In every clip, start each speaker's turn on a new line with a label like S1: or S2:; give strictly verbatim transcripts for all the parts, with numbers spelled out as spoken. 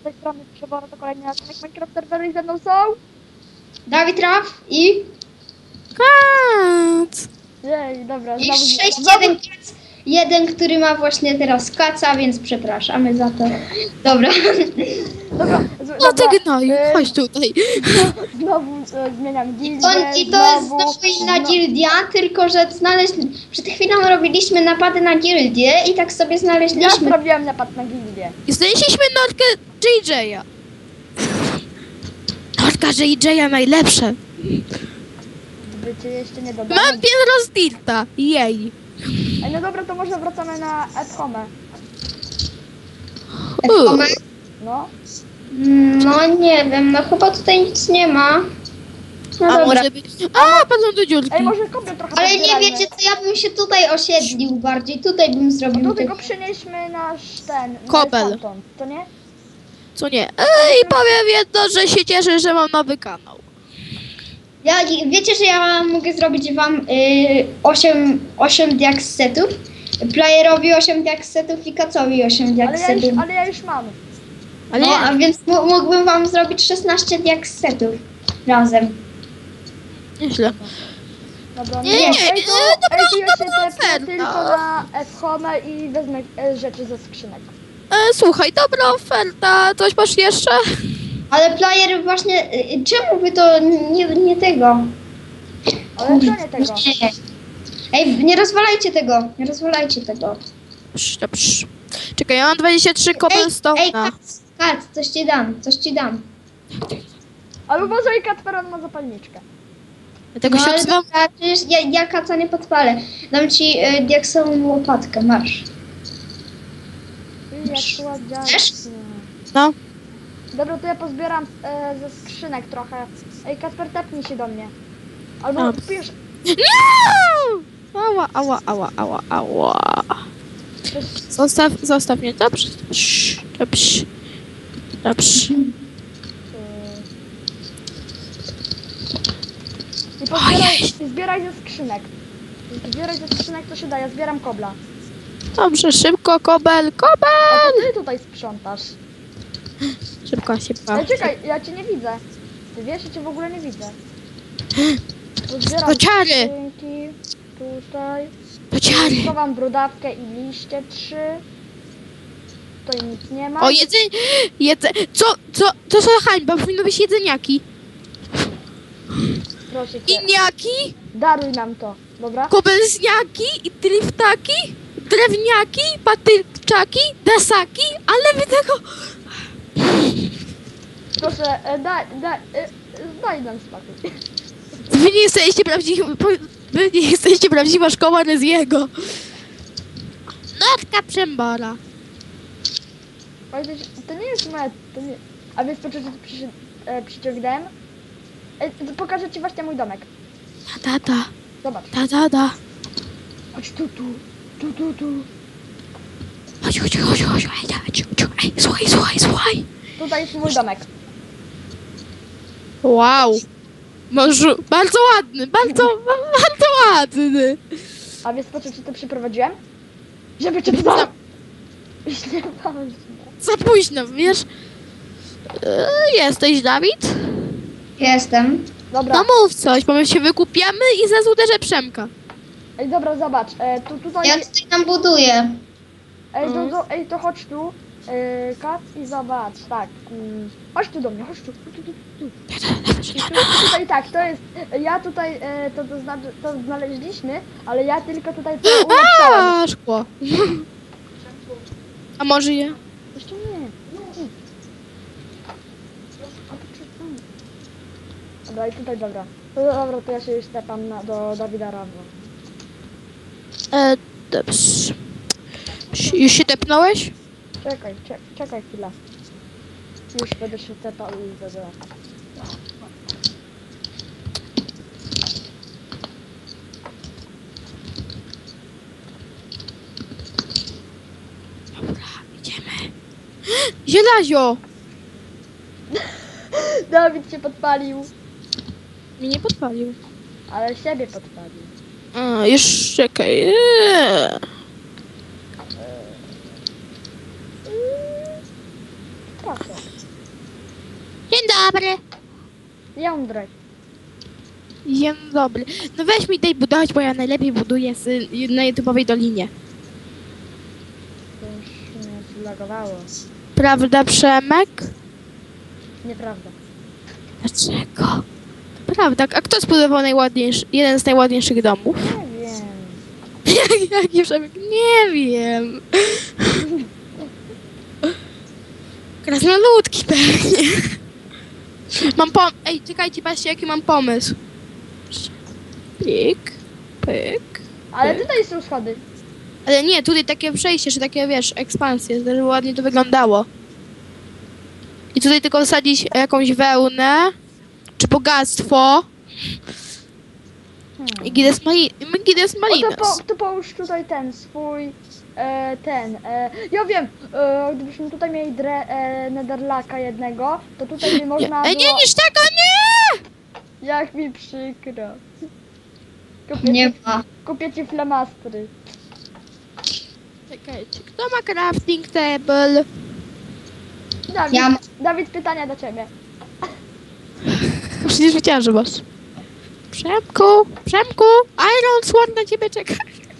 S1: tej strony Przebora, to kolejny odcinek Minecraft serwery i ze mną są...
S2: Dawid Raf i...
S3: Kac!
S1: Jej, dobra,
S2: I
S1: znowu...
S2: sześć
S1: znowu...
S2: jeden kac. Jeden, który ma właśnie teraz kaca, więc przepraszamy za to. Dobra.
S1: Dobra, z,
S3: No
S1: dobra,
S3: ty gnoju,
S1: e,
S3: chodź tutaj.
S1: Znowu e, zmieniam gildię,
S2: To, I to jest
S1: znowu...
S2: znowu inna
S1: no-
S2: gildia, tylko że znaleźli... Przed chwilą robiliśmy napady na gildię i tak sobie
S1: Ja
S2: znaleźliśmy...
S1: zrobiłem napad na gildię.
S3: I znaleźliśmy Nordkę J J-a. Nordka J J-a najlepsze.
S1: Gdyby cię jeszcze nie dodano...
S3: Mam piętro z Dirta. Jej.
S1: Ej, no dobra, to może wracamy na Edhome.
S2: Edhome?
S1: No.
S2: No nie wiem, no chyba tutaj nic nie ma. No
S3: A
S2: dobra.
S3: może być... A, padną do dziurki.
S1: Ej, może kopię trochę
S2: Ale nie
S1: pozbierajmy.
S2: wiecie co, ja bym się tutaj osiedlił bardziej, tutaj bym zrobił...
S1: Tu
S2: tak-
S1: tylko przynieśmy nasz ten...
S3: Kobel.
S1: Stamtąd, to nie?
S3: Co nie? Ej, powiem jedno, że się cieszę, że mam nowy kanał.
S2: Ja, wiecie, że ja mogę zrobić wam y, osiem diaksetów, playerowi osiem diaksetów i kacowi osiem
S1: Ale ja już,
S2: diaksetów.
S1: ale ja już mam.
S3: Ale
S2: No,
S3: nie,
S2: a więc m- mógłbym wam zrobić szesnaście diaksetów razem.
S3: nieźle.
S1: Dobra,
S3: Nie, nie,
S1: ej,
S3: nie,
S1: to,
S3: dobra,
S1: ej, to ja się
S3: dobra,
S1: tepnę
S3: oferta.
S1: tylko na Edhome i wezmę e, rzeczy ze skrzynek.
S3: E, słuchaj, dobra oferta. Coś masz jeszcze?
S2: Ale player właśnie, y, czemu wy to nie, nie tego?
S1: Ale to nie tego.
S2: Nie. Ej, nie rozwalajcie tego, nie rozwalajcie tego.
S3: Psz, to psz. Czekaj, ja mam dwadzieścia trzy
S2: Ej,
S3: cobblestone'a.
S2: Kac, Kac, coś ci dam, coś ci dam.
S1: Ale uważaj, Kacper, on ma zapalniczkę.
S3: Ja tego się
S2: ale
S3: odzywam.
S2: dobra, przecież ja, ja kaca nie podpalę. Dam ci y, diaksową łopatkę, masz.
S1: I jak słodziaczki.
S2: Chcesz?
S3: No.
S1: Dobra, to ja pozbieram e, ze skrzynek trochę. Ej, Kacper, tepnij się do mnie. Albo
S3: A.
S1: pisz...
S3: Nie! Ała, ała, ała, ała, ała.
S1: Coś,
S3: Zostaw, zostaw mnie, dobrze. Psz, dobrze. Dobrze.
S1: I pozbieraj,
S3: Ojej.
S1: i zbieraj ze skrzynek. Zbieraj ze skrzynek, co się da, ja zbieram kobla.
S3: Dobrze, szybko, kobel,
S1: A
S3: kobel!
S1: to ty tutaj sprzątasz.
S3: Szybko się
S1: Ale
S3: bawi.
S1: czekaj, ja cię nie widzę. Ty wiesz, ja cię w ogóle nie widzę. Pozbieram
S3: Bociary!
S1: skrzynki. Tutaj.
S3: Bociary!
S1: Schowam brudawkę i liście trzy. Tutaj nic nie ma.
S3: O, jedzenie, jedze... Co, co, to są hańba, powinno być jedzeniaki.
S1: Proszę cię,
S3: Iniaki,
S1: daruj nam to, dobra?
S3: kobelzniaki, i driftaki, drewniaki, patyczaki, desaki, ale wy tego...
S1: Proszę, e, daj, daj, e, daj nam spokój.
S3: Wy nie jesteście prawdziwi... Wy nie jesteście prawdziwa szkoła Reziego. Notka Przembora.
S1: Pamiętaj, to nie jest moja, to nie... A więc poczekaj, przy, e, przyciągnąłem. E, pokażę ci właśnie mój domek.
S3: Ta, ta, ta,
S1: Zobacz.
S3: ta, ta, ta.
S1: Chodź tu, tu, tu, tu, tu.
S3: Chodź, chodź, chodź, chodź, ej, chodź, chodź, ej, słuchaj, słuchaj, słuchaj.
S1: Tutaj jest mój domek.
S3: Wow. Może, bardzo ładny, bardzo, bardzo ładny.
S1: A więc po co ci to przyprowadziłem? Żeby cię tutaj... Nie ważne.
S3: Za późno, wiesz? E, Jesteś, Dawid?
S2: Jestem.
S1: Dobra,
S3: No mów coś, bo my się wykupiamy i zaraz uderzę Przemka.
S1: ej dobra, zobacz. E, tu, tutaj...
S2: Ja tutaj nam buduję.
S1: Ej, do, do, ej, to chodź tu. E, Kac i zobacz, tak. Mm, chodź tu do mnie, chodź tu. tu, tu, tu, tu. I tu, tutaj tak, to jest... Ja tutaj e, to, to, zna, to znaleźliśmy, ale ja tylko tutaj to ulepszałem.
S3: A, szkło. A może je?
S1: Jeszcze nie. A to czy- mm. Dobra, i tutaj dobra. No dobra, to ja się już tepam na, do Dawida Rawa.
S3: E, dobrze. Już się tepnąłeś?
S1: Czekaj, czekaj, czekaj chwilę. Już będę się tepał i będę...
S3: Dobra, idziemy. Zielazio!
S1: Dawid się podpalił,
S3: Mnie nie podpalił.
S1: ale siebie podpalił.
S3: A, już czekaj. Eee.
S1: Tak. Proszę.
S3: Dzień dobry.
S1: Jądrek.
S3: Dzień dobry. No weź mi daj budować, bo ja najlepiej buduję z, na YouTube'owej dolinie.
S1: To już mnie zlagowało.
S3: Prawda, Przemek?
S1: Nieprawda.
S3: Dlaczego? To prawda. A kto zbudował najładniejszy, jeden z najładniejszych domów?
S1: Nie wiem.
S3: Jak, jaki Przemek? Nie wiem. Krasnoludki pewnie. Mam pom... Ej, czekajcie, patrzcie, jaki mam pomysł. Pyk, pyk.
S1: Ale tutaj są schody.
S3: Ale nie, tutaj takie przejście, że takie, wiesz, ekspansje, żeby ładnie to wyglądało. I tutaj tylko wsadzić jakąś wełnę, czy bogactwo.
S1: Hmm.
S3: I gides mali... gides
S1: O, to,
S3: malinas.
S1: po, to połóż tutaj ten swój, e, ten, e, ja wiem, e, gdybyśmy tutaj mieli dre, e, netherlaka jednego, to tutaj by
S3: Nie,
S1: można
S3: Ej, nie
S1: było...
S3: niż tego, nie!
S1: Jak mi przykro. Kupię
S2: Nie
S1: ci,
S2: ma.
S1: kupię ci flamastry.
S3: Czekajcie, kto ma crafting table?
S1: Dawid,
S2: Ja mam.
S1: Dawid, pytania do ciebie.
S3: Przecież wiedziałam, że masz. Przemku, Przemku, Iron Sword na ciebie czeka.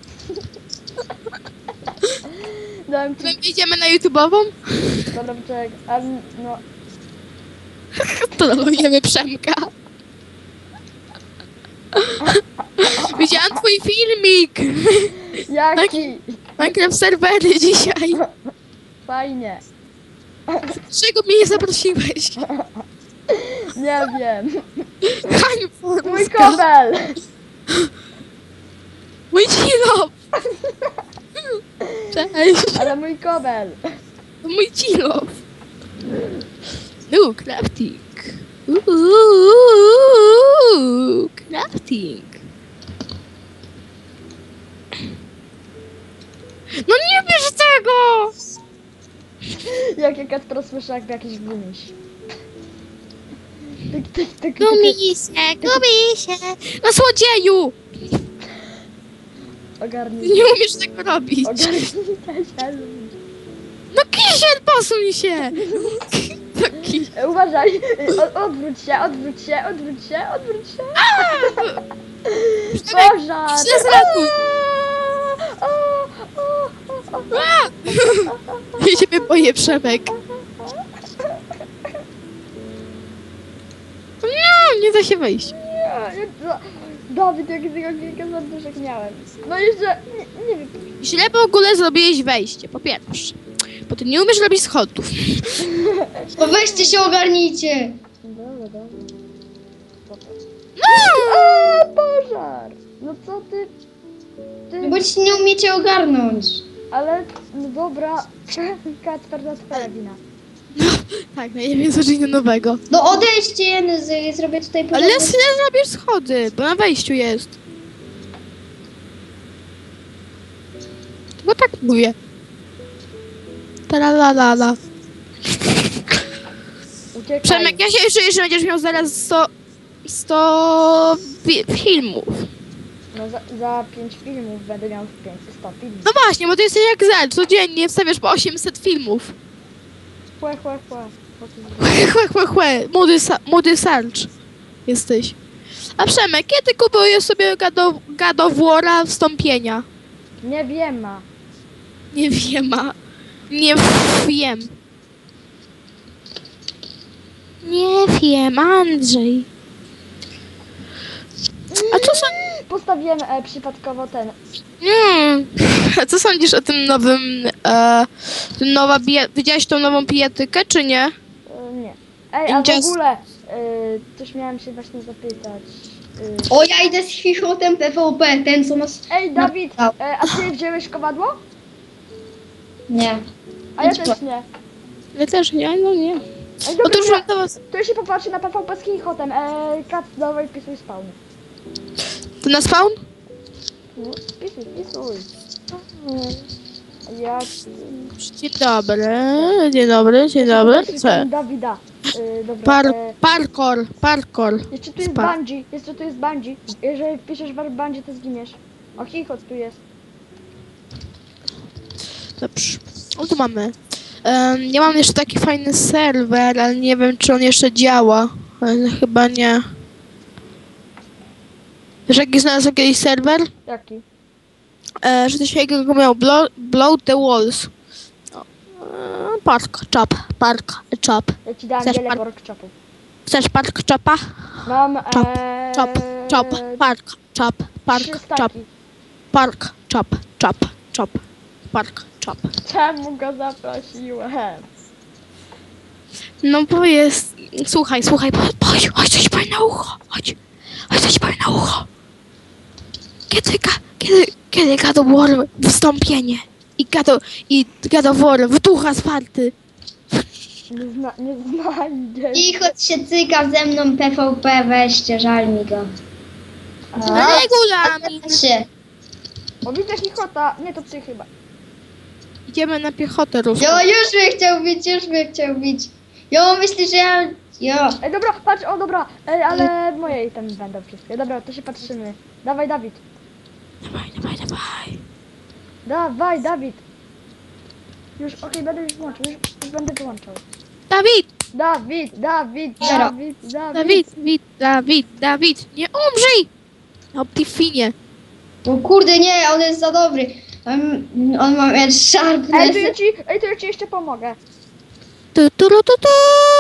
S1: Dałem ci,
S3: My idziemy na YouTube'ową?
S1: dobra, czekaj, um, no,
S3: To nalujemy Przemka. Widziałam twój filmik.
S1: jaki?
S3: Minecraft serwery dzisiaj.
S1: Fajnie.
S3: Czego mnie nie zaprosiłeś?
S1: Nie wiem.
S3: Hań
S1: Mój kobel!
S3: Mój cilo. Cześć.
S1: Ale mój kobel.
S3: To mój cilo. No, crafting. Uuu, crafting. No nie bierz tego!
S1: Jak ja Kacpro słyszę jakby jakiś gumiś. Tyk, tyk, tyk, tyk,
S3: Gubi się, gubi się. No słodzieju!
S1: Ogarnij.
S3: Nie umiesz tego robić.
S1: Ogarnij się.
S3: No kisiel, posuń się! No kisiel.
S1: E, Uważaj. O, odwróć się, odwróć się, odwróć się, odwróć się. Pożar!
S3: Źle zratuj.
S1: O, o, o, o.
S3: Ja ciebie boję, Przemek. Nie, nie da się wejść.
S1: Nie, nie, Dawid, jak tego kilka serduszek miałem. No jeszcze, nie, nie wiem.
S3: Źle w ogóle zrobiłeś wejście, po pierwsze. Bo ty nie umiesz robić schodów.
S2: To weźcie się, ogarnijcie.
S1: Dobra, dobra.
S3: No!
S1: A, pożar! No co ty? Ty...
S2: Bo ci nie umiecie ogarnąć.
S1: Ale, no dobra, Kacper, to twoja wina.
S3: Tak, no nie wiem, co czynię nowego.
S2: No odejdźcie, no, z- zrobię tutaj
S3: Ale
S2: porządek.
S3: źle zrobisz schody, bo na wejściu jest. Bo tak mówię. Tralalala.
S1: Uciekaj.
S3: Przemek, ja się czuję, że będziesz miał zaraz sto... sto fi- filmów.
S1: No za, za pięć filmów będę miał pięć, sto filmów.
S3: No właśnie, bo ty jesteś jak Zel, codziennie wstawiasz po osiemset filmów.
S1: Chłe, chłe, chłe. Po co
S3: Chłe, chłe, chłe, chłe. Młody, sa- młody sarcz jesteś. A Przemek, kiedy kupujesz sobie gado, gadowłora wstąpienia?
S1: Nie wiem, ma.
S3: Nie wiem, a... Nie wiem. Nie wiem, Andrzej. A co sądzisz?
S1: Postawiłem e, przypadkowo ten.
S3: Mm. A co sądzisz o tym nowym... E, tym nowa bije... Widziałeś tą nową pijatykę, czy nie?
S1: E, nie. Ej, a w
S3: Just-
S1: ogóle, e, coś miałem się właśnie zapytać. E,
S2: O, ja idę z chichotem P V P, ten co nas...
S1: ej, Dawid,
S2: No.
S1: e, a ty wziąłeś kowadło?
S2: Nie.
S1: A ja
S2: Idź
S1: też nie.
S3: Ja też nie, no nie.
S1: Ej,
S3: No to
S1: dobra,
S3: już mam do was...
S1: to się popatrzy na P V P z chichotem. E, Kac, dawaj, wpisuj spawn.
S3: To na spawn?
S1: No, wpisuj, wpisuj. Ja...
S3: Dzień dobry, dzień dobry, dzień dobry. Co?
S1: Dawida. E, dobra,
S3: Par,
S1: e,
S3: parkour, parkour.
S1: jeszcze tu jest
S3: Spa.
S1: bungee, jeszcze tu jest bungee. Jeżeli wpiszesz warp bungee, to zginiesz. O, chichot tu jest.
S3: Dobrze. O, tu mamy. Em, ja mam jeszcze taki fajny serwer, ale nie wiem, czy on jeszcze działa. Ale chyba nie. Wiesz, jaki znalazłem kiedyś serwer?
S1: Jaki?
S3: E, że coś takiego miał blow, blow the walls. O, e, park chop, park chop.
S1: Ja ci dałem
S3: Chcesz
S1: wiele
S3: par-
S1: pork chopów.
S3: Chcesz park chopa?
S1: Mam
S3: Chop,
S1: eee,
S3: Chop, chop, park, chop, park,
S1: trzy
S3: chop,
S1: staki.
S3: park, chop, chop, chop, park, chop.
S1: Czemu go zaprosiłem?
S3: No bo jest... Słuchaj, słuchaj, bo- chodź, chodź coś powiem na ucho, chodź, chodź coś powiem na ucho. Kiedy, ga- kiedy, kiedy God of War wystąpienie i God of, i God of War w ducha zwarty.
S1: Nie, zna, nie znajdzie.
S2: I choć się cyka ze mną P V P, weźcie, żal mi go.
S3: Regulamin.
S2: Patrzcie,
S1: O, widzę chichota. Nie, to psy chyba.
S3: Idziemy na piechotę ruską.
S2: jo, już mnie chciał bić, już mnie chciał bić. Jo, myślisz, że ja... Jo.
S1: Ej, dobra, patrz, o dobra. Ej, ale moje itemy będą wszystkie. Dobra, to się patrzymy. Dawaj, Dawid.
S3: Dawaj, dawaj, dawaj.
S1: Dawaj, Dawid. Już, okej, będę już włączył, już, już będę wyłączał.
S3: Dawid,
S1: Dawid, Dawid,
S2: Zero.
S1: Dawid, Dawid.
S3: Dawid, Dawid, Dawid, Dawid, nie umrzyj! Optifinie.
S2: O kurde, nie, on jest za dobry. On, on ma mieć
S1: Ej, to
S2: sharpness.
S1: ja ci, ej, to ja ci jeszcze pomogę.
S3: Tu, tu, tu, tu, tu.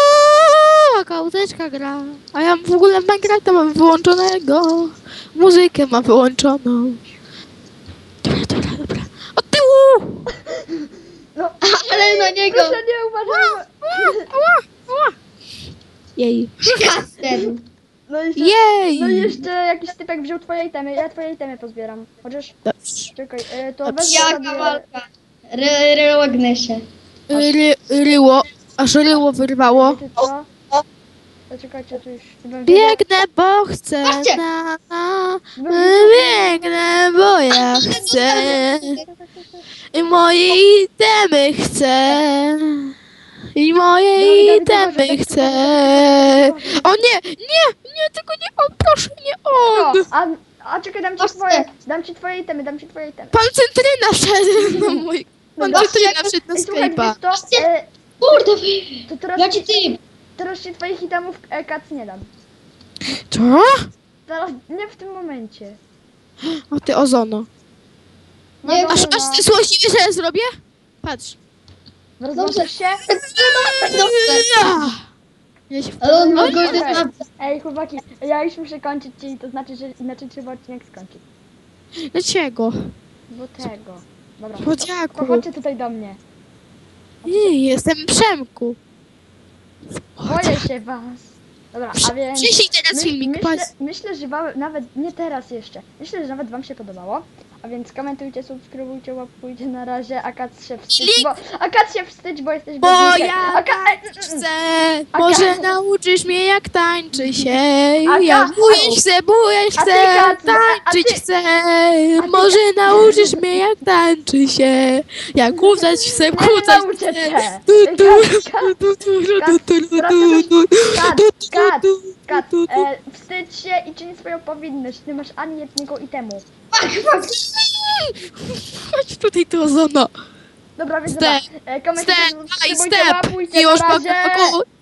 S3: Jaka łódeczka gra. A ja w ogóle Minecrafta mam wyłączonego. Muzykę mam wyłączoną. Dobra, dobra, dobra. Od tyłu!
S1: No,
S2: Ale na niego.
S1: proszę nie uważaj.
S3: Ała, ała. Jej.
S2: Kasten.
S1: No i jeszcze,
S3: Jej!
S1: no i jeszcze jakiś typek wziął twoje itemy, ja twoje itemy pozbieram. Chociaż,
S3: Dobrze.
S1: czekaj, e, to
S3: Dobrze.
S1: wezmę
S2: Jaka
S1: sobie...
S2: walka. Ry, ryłognę się.
S3: Ry, ryło, aż ryło wyrwało.
S1: Wiecie co? To czekajcie, tu już nie będę wiedział.
S3: Biegnę, bo chcę
S2: Patrzcie.
S3: na, na.
S1: No
S3: Biegnę, bo ja chcę. I moje itemy chcę. I moje
S1: Dawid,
S3: itemy
S1: Dawid,
S3: chcę.
S1: Dawid.
S3: O nie, nie, nie, tylko nie on, proszę, nie
S1: No,
S3: on.
S1: a, a czekaj, dam ci
S2: Patrzcie.
S1: twoje, dam ci twoje itemy, dam ci twoje itemy.
S3: Pan Cytryna wszedł na mój... Pan
S1: Dobra.
S3: Cytryna wszedł na
S1: Ej, słuchaj,
S3: Skype'a.
S1: wiesz co? E,
S2: Kurde, wy.
S1: to teraz,
S2: Jaki typ?
S1: teraz ci twoich itemów e, kac nie dam.
S3: Co?
S1: Teraz, nie w tym momencie.
S3: O ty ozono.
S1: No
S2: Nie,
S1: dobra,
S3: Aż,
S1: no.
S3: aż ty złośliwie, że ja zrobię? Patrz.
S1: Rozłączysz się?
S2: Dobrze.
S3: Ja. Ja się
S2: Ale on ma
S1: Okej.
S2: golden map.
S1: Ej, chłopaki, ja już muszę kończyć, czyli to znaczy, że inaczej trzeba odcinek skończyć.
S3: Dlaczego?
S1: Bo tego. Dobra,
S3: Po
S1: to,
S3: dziaku.
S1: to chodźcie tutaj do mnie.
S3: Nie, jestem Przemku.
S1: Boję się was. Dobra, a więc...
S3: Przyjrzyj teraz
S1: My-
S3: filmik,
S1: myślę,
S3: patrz.
S1: myślę, że wam, nawet nie teraz jeszcze. Myślę, że nawet wam się podobało. A więc komentujcie, subskrybujcie, łapkujcie na razie. A Kac się wstydź,
S3: Link.
S1: bo... A Kac się wstydź, bo jesteś
S3: Bo
S1: bezlikiem.
S3: ja
S1: A Ka...
S3: tak chcę,
S1: A
S3: może
S1: Kac-
S3: nauczysz mnie jak tańczy się.
S1: A
S3: Ja
S1: Kac-
S3: bujać chcę, bujać
S1: A ty,
S3: chcę,
S1: Kac, a
S3: tańczyć
S1: ty-
S3: chcę.
S1: ty,
S3: Może nauczysz mnie jak tańczy się. Jak kucać chcę,
S1: Nie
S3: kucać
S1: nauczę
S3: chcę.
S1: cię.
S3: Tu,
S1: Ej,
S3: tu,
S1: Kac, Kac,
S3: tu, tu, tu,
S1: Kac,
S3: tu, tu,
S1: proszę
S3: tu, tu,
S1: Kac,
S3: tu, tu,
S1: Kac,
S3: tu,
S1: Kac,
S3: tu, tu.
S1: e, wstydź się i czyń swoją powinność. Nie masz ani jednego itemu.
S2: Fuck, fuck.
S3: Chodź tutaj, to ozono.
S1: Dobra, więc
S3: Step,
S1: dobra. E, komentujcie,
S3: Step, aj,
S1: subskrybujcie,
S3: step.
S1: łapkujcie,
S3: Miłość
S1: na razie.
S3: Bogaku.